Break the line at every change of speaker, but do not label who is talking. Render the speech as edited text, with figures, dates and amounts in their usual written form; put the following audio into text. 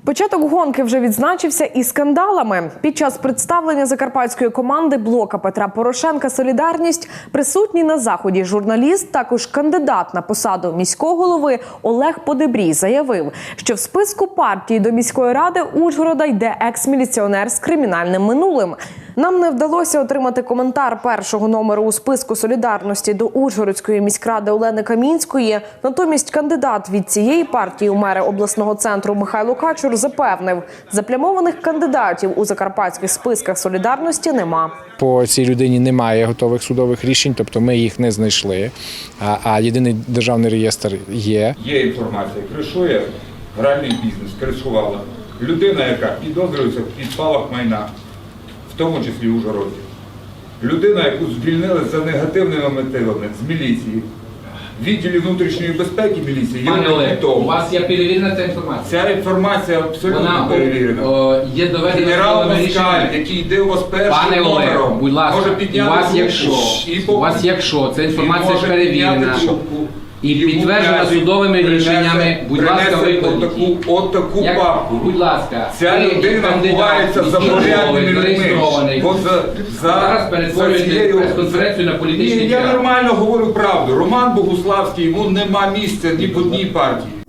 Початок гонки вже відзначився і скандалами. Під час представлення закарпатської команди блока Петра Порошенка «Солідарність» присутній на заході журналіст, також кандидат на посаду міського голови Олег Подебрій заявив, що в списку партії до міської ради Ужгорода йде екс-міліціонер з кримінальним минулим. Нам не вдалося отримати коментар першого номеру у списку «Солідарності» до Ужгородської міськради Олени Камінської. Натомість кандидат від цієї партії у мери обласного центру Михайло Качур запевнив, заплямованих кандидатів у закарпатських списках «Солідарності» нема.
По цій людині немає готових судових рішень, тобто ми їх не знайшли, а єдиний державний реєстр є.
Є інформація, кришує гральний бізнес, кришувала. Людина, яка підозрюється в підпалах майна, в тому числі Ужгороді. Людина, яку звільнили за негативними мотивами з міліції. В відділі внутрішньої безпеки міліції є
у вас є перевірена ця інформація?
Ця інформація абсолютно
вона
перевірена.
Є доведена
Генерал Москаль, який йде у вас першим номером,
будь ласка,
може підняти
у вас якщо ця інформація ж перевірена і підтверджена судовими рішеннями, будь ласка, викладіть.
От таку папку.
Будь ласка,
ця людина ховається за порядними людьми.
Зараз перетворюєте прес-конференцію на політичний
Я
піар.
нормально говорю правду. Роман Богуславський, йому нема місця ні в одній партії.